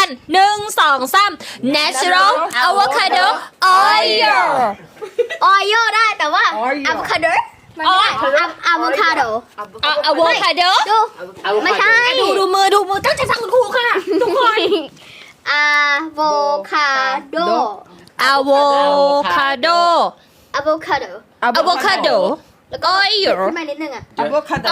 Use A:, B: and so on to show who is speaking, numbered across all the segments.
A: กัน1 2 3 natural avocado oil
B: ออยโยได้แต่ว่าอะโวคาโดมันไม่ได้อะโวคาโด
A: avocado
B: ดูไม่ใช่
A: ดูมือตั้งใจฟังคุณครูค่ะทุกคน
B: อะโวคาโด
A: avocado
B: อะโวคาโด
A: avocado
B: แล้วก็
A: oil
B: ขึ้นมานิดนึงอ่ะ
A: avocado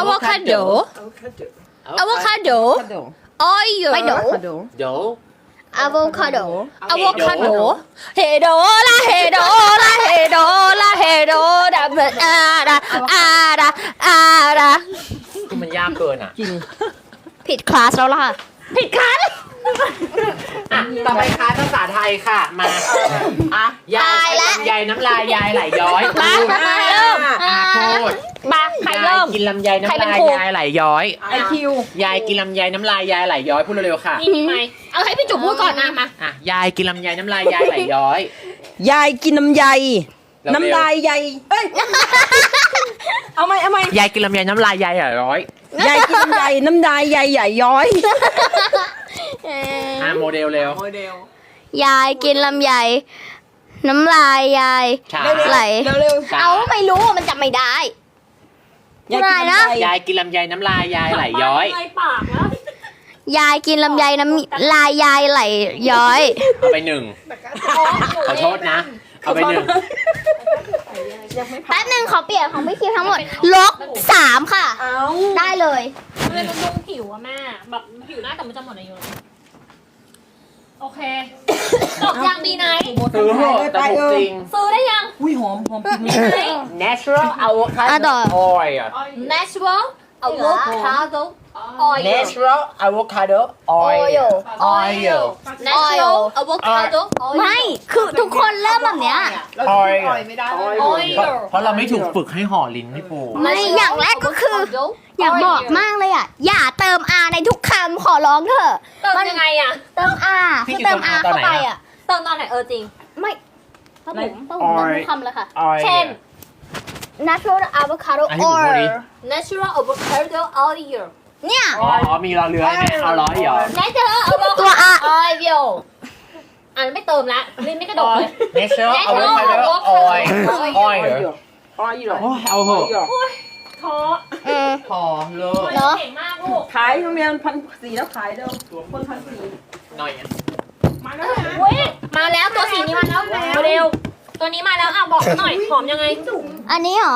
A: oil
B: ไม่โด
C: เดี๋ยว
B: อะโวคาโด
A: avocado เฮโดละเฮโดละเฮโดละเฮโดดาอาดาอาดาอาดา
C: คือมันยากเกินอ่ะ
B: ผิดคลาสแล้วล่ะ
A: ผิดคัน
C: อ่ะต่อไปคลาสภาษาไทยค่ะ มาอ่ะยายลำไยน้ำลายยายไหลย้อย
A: มาเริ่ม
C: พูด
A: มาใคร
C: ยาย
A: เริ่ม
C: กินลำไยน้ำ
A: ใครเป็น
C: ลาย
A: ครู
C: ยายไหลย้อย
D: ไอคิวย
C: ายกินลำไยน้ำลายยายไหลย้อยพูดเร็วๆค่ะ
A: นี่มีไหมเอาให้พี่จุ๋มพูดก่อนนะมา
C: อ่ะยายกินลำไยน้ำลายยายไหลย้อย
D: ยายกินน้ำใย
C: เร็วๆ
D: น้ำลายใยเอ้ย เอาไหม
C: ยายกินลำไยน้ำลายยายไหลย้อย
D: ยายกินน้ำใยน้ำลายใยใหญ่ย้อย
C: โมเดลเร็ว
B: ยายกินลำไยน้ำลายยาย
C: ช้า
B: ไหล
D: เร็ว
C: ช้า
B: เอาไม่รู้มันจำไม่ได้
D: ๆยายกินน้ำใย
C: ยายกินลำไยน้ำลายยายไหลย้อย
A: ปากแล้ว
B: ยายกินลำไยน้ำลายยายไหลย้อย
C: เอาไป1ขอโทษนะ เอาไป1
B: แป๊บนึงขอเปลี่ยนของพี่คิวทั้งหมดลบ3ค่ะ
D: เอา
B: ได้เลย
A: มันเป็นบำรุงผิวอะแม่แบบผิวหน้าแต่มันจะหมดอายุโอเคจบยังดีไนท์
C: ซื้อเหอะแต่ถูกจริง
A: ซื้อได้ยัง
D: อุ้ยหอมจริง
C: natural
B: อ่ะ
C: avocado
B: ต่อ
C: oil
A: natural avocado oil
C: natural avocado oil oil
A: natural avocado oil
B: ไม่คือทุกคนเริ่มแบบเนี้ย
C: oil
A: oil
C: เพราะเราไม่ถูกฝึกให้ห่อลิ้นพี่ปู
B: ไม่อย่างแรกก็คือ อยากบอกมากเลยอ่ะ อย่าเติม R ในทุกคำขอร้องเถอะ
A: เติมยังไงอะ
B: เติม R คือเติม R เข้าไปอ่ะ
A: เติมตอนไหนจริง
B: ไม่ป้าผมเติมทุกคำเลยค่ะ
A: เช่น
B: natural avocado
C: อันนี้ผมพูดดิ
B: oil
A: natural avocado oil
B: เนี่ย
C: อ๋อมีรอเรือไหมเอาร้อยเหรอ
A: natural avocado
B: ตัว R
A: oil อ่านไม่เติมละลิ้นไม่กระดกเลย
C: natural
A: Natural
C: avocado oil oil
D: อ๋ออีหรอ
C: โอ้ยเอาเหอะ
A: ท้อ
C: พอเลิก
B: เนอะ
A: เก่งมากลูก
D: ขายโรงเรียน1,400แล้วขายเดิมคน1,400
C: หน่อยอ่ะ
A: เว้ยมาแล้วตัวสีนี้มาแล้วเร็วตัวนี้มาแล้วอ่ะบอกหน่อยหอมยังไง
B: อันนี้เหรอ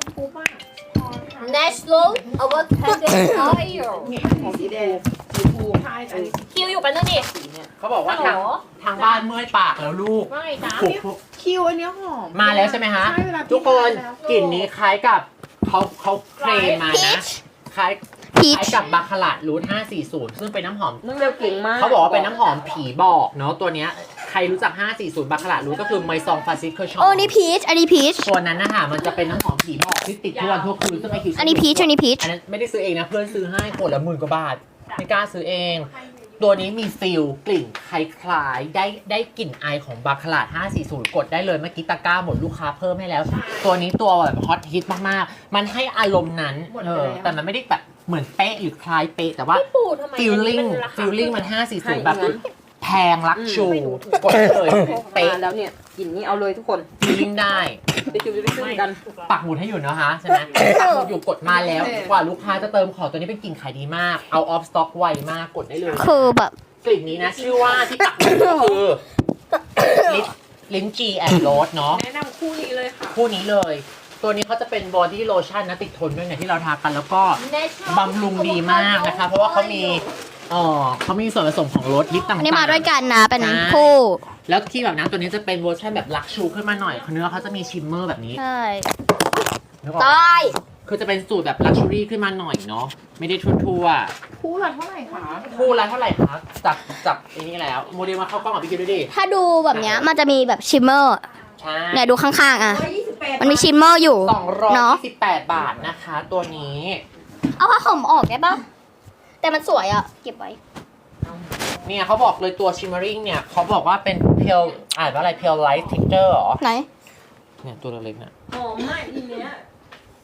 A: natural avocado oil
D: สีแดงสีฟู
A: คิวอยู่เป็นเรื่องดิ
C: เขาบอกว่า
A: ฮัลโหล
C: ทางบ้านเมื่อยปากแล้วลูก
A: ว่าไงจ๊ะ
C: ผูก
E: คิวอันเนี้ยหอม
C: มาแล้วใช่ไหมฮะ
E: ใช่เวลาพี่
C: ทุกคน
E: ทานแล้ว
C: กลิ่นนี้คล้ายกับเขาเคลมมานะ คล้าย
B: พีช
C: กับบาคาร่ารูท540 ซึ่งเป็นน้ำหอม
D: น้องเร็วเก่งมาก
C: เขาบอกว่าเป็นน้ำหอมผีบอกเนาะตัวเนี้ยใครรู้จัก 540 บาคาร่ารูทก็คือไมซองฟาซิเคอร์ชอ
B: โอ้นี่พีชอันนี้พีช
C: ตัวนั้นนะคะมันจะเป็นน้ำหอมผีบอกที่ติดทั่ววันทั่วคืนซึ่งไอคิว
B: อันนี้พีชอันนี้พีช
C: อันนั้นไม่ได้ซื้อเองนะเพื่อนซื้อให้คนละ10,000 กว่าบาทไม่กล้าซื้อเอง ตัวนี้มีฟิลกลิ่นคล้ายๆได้กลิ่นไอของบาคาร่า540 กดได้เลยเมื่อกี้ตะกร้าหมดลูกค้าเพิ่มให้แล้ว ตัวนี้ตัวแบบฮอตฮิตมากๆ มันให้อารมณ์นั้นแต่มันไม่ได้แบบเหมือนเป๊ะหรือคล้ายเป๊ะแต่ว่า
A: ปูทำไม
C: feeling มัน540 แบบแพงรักชูกดเลยเป๊ะ
D: มาแล้วเนี่ยกลิ่นนี้เอาเลยทุกคน
C: feeling ได้
D: ไปจิวจะไปซื้อกัน
C: ปักหมุดให้อยู่นะคะใช่ไหมปักหมุดอยู่กดมาแล้วกว่าลูกค้าจะเติมของตัวนี้เป็นกลิ่นขายดีมากเอาออฟสต็อกไวมากกดได้เลย
B: คือแบบ
C: กลิ่นนี้นะชื่อว่าที่ปักหมุดก็คือลิ้นจีแอนด์โรสเนาะ
E: แนะนำคู่นี้เลยค่ะ
C: คู่นี้เลย ตัวนี้เขาจะเป็นบอดี้โลชั่นนะติดทนด้วยเนี่ยที่เราทากันแล้วก็บำรุงดีมากนะคะ เพราะว่าเขามีส่วนผสมของรสลิปต่างๆ
B: อันนี้มาด้วยกันนะ เป็น
C: ใช่
B: คู่
C: แล้วที่แบบนั้นตัวนี้จะเป็นเวอร์ชันแบบลักชูขึ้นมาหน่อยเนื้อเขาจะมีชิมเมอร์แบบนี้
B: ใช่
C: นึกออก
B: ต
C: ปะ
B: าย
C: คือจะเป็นสูตรแบบลักชูรี่ขึ้นมาหน่อยเนาะไม่ได้ทั่ว
E: คู่ละเท่าไหร่คะ
C: ๆคู่ละเท่าไหร่คะจับอันนี้แล้วโมเดลมาเข้ากล้องกับพี่คิวด้วยดิ
B: ถ้าดูแบบเนี้ยมันจะมีแบบชิมเมอร์
C: ใช่
B: เนี่ยดูข้างๆอ่ะ มันมีชิมเมอร์อยู่เนาะ
C: 228 บาทนะคะ ตัวนี้
B: เอาผ้าห่มออกได้ปะแต่มันสวยอ่ะ เก็บไว้
C: เนี่ยเขาบอกเลยตัว shimmering เนี่ยเขาบอกว่าเป็น pale อ่านว่าอะไร pale light texture เหรอ
B: ไหน
C: เนี่ยตัวเล็กๆเนี่ย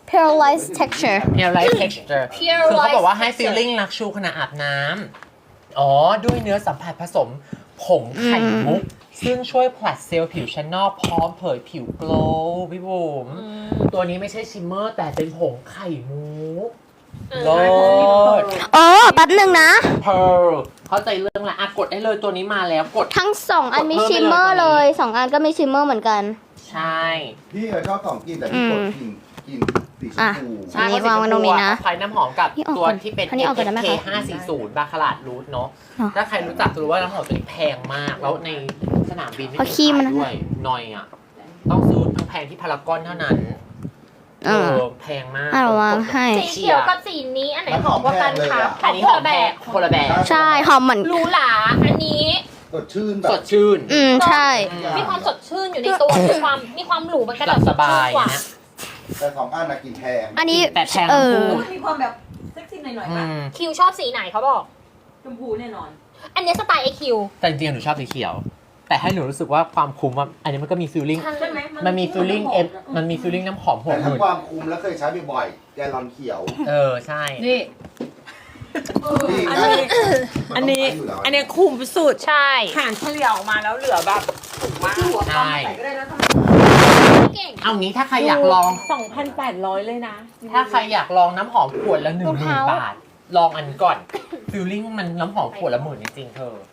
B: paralyzed texture
C: pale light texture คือเขาบอกว่าให้ feeling ลักชูขณะอาบน้อ๋อ ด้วยเนื้อสัมผัสผสมผงไข่มุก ซึ่งช่วยผลัดเซลล์ผิวชั้นนอกพร้อมเผยผิวโกลว์พี่บุ๋มตัวนี้ไม่ใช่ชิมเมอร์แต่เป็นผงไข่มุกโลด
B: อ๋อแป๊บหนึ่งนะ
C: เพร์ลเข้าใจเรื่องละกดได้เลยตัวนี้มาแล้วกด
B: ทั้งสองอันมีชิมเมอร์เลยสองอันก็มีชิมเมอร์เหมือนกัน
C: ใช่
F: พี่ชอบของกินแต่พี่กดกินสีชมพู
B: อันนี้วางไว้ตรงนี้นะ
C: คล้ายน้ำหอมกับ
B: นี่ออก
C: ตัว
B: ก่อน
C: ที่เป็น
B: อันนี้ออกก่อนได้ไหมคะ
C: FK540 บาคาราดรูทเนาะ
B: เนอะ
C: ถ้าใครรู้จักจะรู้ว่าน้ำหอมตัวนี้แพงมาก แล้วในสนามบินไม่
B: เอาขี้มัน
C: ขายด้วยหน่อยอ่ะ ต้องซื้อแพงที่พารากอนเท่านั้น แพงมาก
B: เอาวางให้
A: สีเขียวกับสีนี้อันไหนหอมกว่ากันคะ
C: อันนี้หอมแพงคนละแบบ
B: ใช่หอมเหมือน
A: หรูหราอันนี้
F: สดชื่นแบ
C: ส
F: บ
C: ดชื่น
B: ใช่
A: มีความสดชื่นอยู่ในตัว มีความหรูมันก็
C: หลับสบาย
A: กว่า
C: นะ
F: แต่สองอันน่ะกินแพง
B: อันนี้
C: แต่แพงทั้งคู่
D: มีความแบบเซ็กซี่หน่อยๆ
C: อื
D: ป่ะ
C: ม
A: คิวชอบสีไหนเขาบอก
D: ชมพูแน่นอน
A: อันนี้สไตล์ไอคิว
C: แต่จริงๆหนูชอบสีเขียว แต่ให้หนูรู้สึกว่าความคุ้มอะอันนี้มันก็มีฟีลลิ่ง
D: ใช่ไหม
C: มันมีฟีลลิ่งมันมีฟีลลิ่งน้ำหอมหัว
F: แต่
C: ห
F: ถ้า
C: มื่น
F: ความคุ้มแล้วเคยใช้บ่อยๆแกลลอนเขียว
C: ใช่
E: นี่
F: นี่
E: อัน
F: ไง
E: นี้ อันนี้
F: มัต้งใช้ยู่แล้ว
E: อันนี้คุ้มสุด
A: ใช่
E: หารเฉลี่ยออกมาแล้วเหลือแบบถูกมาก
D: หัวคอมใส่ก็ได้นะทำไม
A: เก่ง
C: เอางี้ถ้าใครอยากลอง
E: 2,800 เลยนะ
C: ถ้าใครอยากลองน้ำหอมขวดละ10,000 บาท ลองอันก่อนฟีลลิ่งมันน้ำหอมขวดละ10,000จริงๆเธอ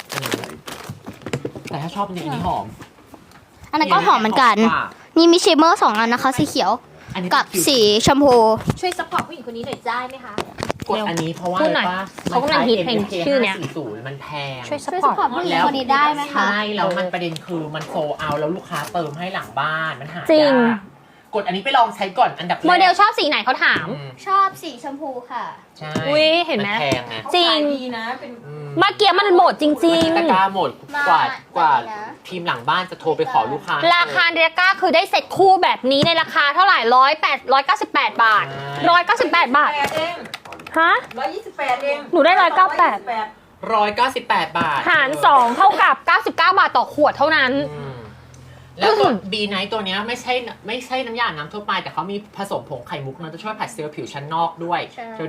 C: แต่ถ้าชอบจริงๆอันนี้หอม
B: อันนั้นก็หอมเหมือนกัน
C: ว่า
B: นี่มีชิมเมอร์สองอันนะคะ สีเขียว
C: อันนี้
B: กับ
C: เป็น
B: สีชมพู
A: ช่วยซัพพอร์ตผู้หญิงคนนี้หน่อยได้ไหมคะ
C: กดอันนี้เพราะว่า
A: พูดหน่อย
C: อะไรปะ
A: เขากำลังฮิตเพลงชื่อเนี้ย
C: MK540 มันแพง
A: ช่วยซัพ
B: ช่วย
A: พ
B: ส
A: อร์ต
B: ปอร์ตผู้หญิงคนนี้ได้ไหมคะ
C: ใช่แล้วมันประเด็นคือมันโซเอาแล้วลูกค้าเติมให้หลังบ้านมันหา
A: จริง
C: ยากกดอันนี้ไปลองใช้ก่อนอันดับแรก
A: โมเดลชอบสีไหนเขาถาม
C: อืม
B: ชอบสีชมพูค่ะ
C: ใช่
A: อุ๊ยเห็นไหม
C: แพงไง
A: จริง
D: ดีนะ เป็น
C: อืม
A: เมื่อกี้มันหมดจริง
C: ตะกร้าหมด
B: มาก
C: ว่า
B: นะ
C: ทีมหลังบ้านจะโทรไปขอลูกค้า
A: ๆ ราคาเดรก้าคือได้เซ็ตคู่แบบนี้ในราคาเท่าไหร่198 บาท 198 บาท
D: 8เอง
A: ฮะ
D: 128เอง
A: หนูได้198
C: 198 บาท
A: หาร 2 เท่ากับ 99 บาทต่อขวดเท่านั้น
C: อืมแล้วตัว B Night ตัวเนี้ยไม่ใช่น้ำยาน้ำทั่วไปแต่เขามีผสมผงไข่มุกนะจะช่วยผัดเซลล์ผิวชั้นนอกด้วย
B: ใช่